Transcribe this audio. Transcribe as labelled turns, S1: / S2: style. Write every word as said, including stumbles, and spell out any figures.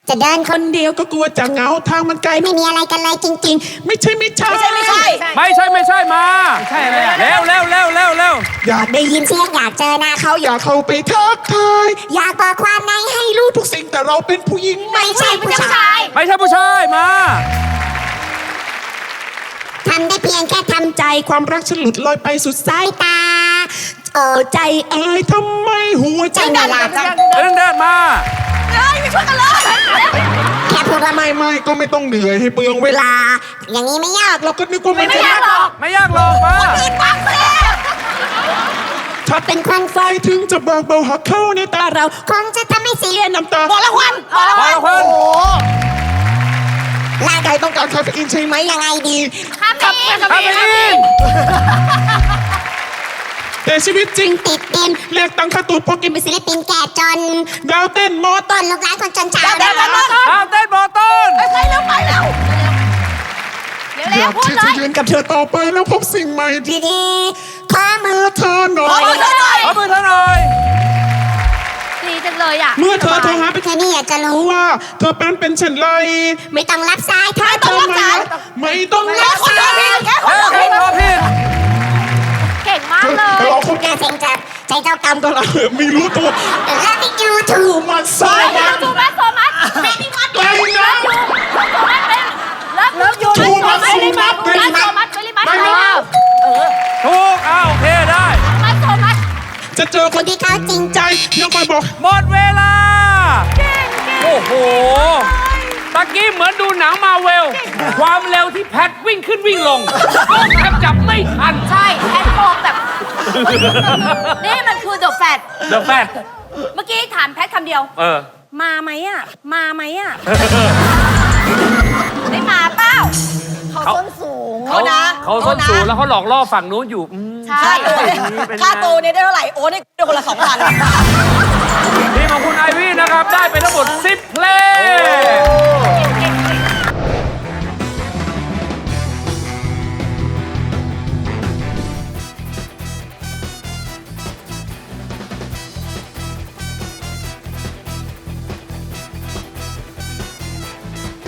S1: จะเดินค
S2: คน นเดียวก็กลัวจะเหงาทางมันไกล
S1: ไม่มีอะไรกันเลยจริง
S2: ไม่ใช่ไม่ใช่
S3: ไม่ใช่ไม่ใช่
S4: ไม่ใช่ไม่ใช่มาใช่อะไรเร็วเร็วเร็วเร็วเร็ว
S2: อยาก
S1: ๆ ได้ยินเสียงอยากเจอหน้าเขา
S2: อยากเข้าไปทักทาย
S1: อยากบอกความในให้รู้
S2: ทุกสิ่งแต่เราเป็นผู้หญิง
S1: ไม่ใช่ผู้ชาย
S4: ไม่ใช่ผู้ชายมา
S1: ทำได้เพียงแค่ทำใจ
S2: ใจความรักฉันหลุดลอยไปสุดสาย
S1: ตาโอ้ใจ
S2: อายทำไมหัวใจ
S1: ใจไม่หลับ
S4: เดินเดินมา
S3: เฮ้ยไม่ช่วยกันเลย
S1: แค่พูดว่า
S2: ไม่ไม่ก็ไม่ต้องเหนื่อยให้เปลืองเวลา
S1: อย่างนี้ไม่ยาก
S2: เราก็นึกว่ามัน
S3: ไม่
S2: จะ
S3: ยากหรอก
S4: ไม่ยากหรอกมา
S3: ตื่นปั๊บเลย
S2: ชัดเป็นควันไฟถึงจะบางเบาหักเข้าในตาเรา
S1: คงจะทำให้เสี
S2: เลี
S1: ย
S2: ยน้ำตา
S3: บอกละควันบอกละ
S4: พ
S3: ค
S4: อ
S3: วัน
S4: ละคน
S1: ร่าง
S2: ใคร
S1: กาย
S2: ต้องการคาเฟอีนใช่ไหม
S1: ยังไงดี
S3: ข้ามไปอีก
S4: คาเฟอีน
S2: แต่ชีวิตจริง
S1: ติดดิน
S2: เรียกตังค่าตูดพอกินไป
S1: เป็นศิลปินแก่จน
S2: ดาวเต้นมอส
S1: ต้นลูกหลานคนจนชาว
S3: เดี๋ยวเดี๋ยวเดี๋ยว
S4: ตามเต้นบอต้น
S3: ไปเร็วไปเร็วเร็ว
S2: อ
S3: เร็
S2: ยาว ก
S3: พูด
S2: ที่
S3: เล
S2: จะ
S3: ย
S2: ยืนกับเธอต่อไปแล้วพบสิ่งใหม่ที่
S1: ดีๆขอมื
S2: เมื่
S1: อ
S2: อเธอหน่อ
S3: ขอย มือเธอหน่อย
S4: ขอมือเธอหน่อย
S3: ดีจังเลยอ่ะ
S2: เมื่อเธอโทรหาไป
S1: เธอนี่อยากจะ
S2: รู้
S1: รู้
S2: ว่าเธอเป็นเป็นเช่นไร
S1: ไม่ต้องรับสายเธอ
S3: ไม่ต้องรับสาย
S2: ไม่ต้อง
S3: แค่
S2: รับ
S3: คน
S2: สา
S3: เดียวย พี่แค่ค
S4: เฮ้
S3: น
S4: ย
S3: เดียว
S4: ผิดขอผิด
S3: เก่งมากเลย
S2: เราคง
S1: น่าเซ็งจัดใจเจ้ากรรม
S2: ตลาดไม่รู้ตัว
S1: แล้วที่ยูทู
S2: ถู
S1: บ
S2: กมันสา
S3: เฮ้ย
S2: มั
S3: ยู
S2: น
S3: ทูบแมสโซมัสเบบี้มัส
S2: ไกลนะ
S3: โซมัสเป็นเลิฟยู
S2: ทูมัส
S3: เบบี้มัส
S2: เบบี้มัส
S3: โซมัสเบบี้มัส
S2: ได้ไหม
S4: ถูกอ้าวโอเคได้
S3: มัสโซมัส
S2: จะเจอค
S1: คน นที่เขาจริง
S2: ใจยังมาบอก
S4: หมดเวลา โอ้โหตะกี้เหมือนดูหนังมาเวล ความเร็วที่แพทวิ่งขึ้นวิ่งลงกล้องแทบจับไม่ทัน
S3: ใช่แอนโฟมแบบ นี่มันคือเดอะแฟต
S4: เดอะแฟต
S3: เมื่อกี้ถามแพทคำเดียว
S4: เออ
S3: มาไหมอ่ะ มาไหมอ่ะ ไม่มาเปล่า เขาส้นสูง
S4: เขาเขาส้นสูงแล้วเขาหลอกล่อฝั่งนู้นอยู่อืม
S3: ใช่
S5: ค่าตัวเนี่ยได้เท่าไหร่ โอ้ได้คนละสองพัน
S4: ทีมของคุณไอวี่นะครับ ได้ไปทั้งหมดสิบเพลง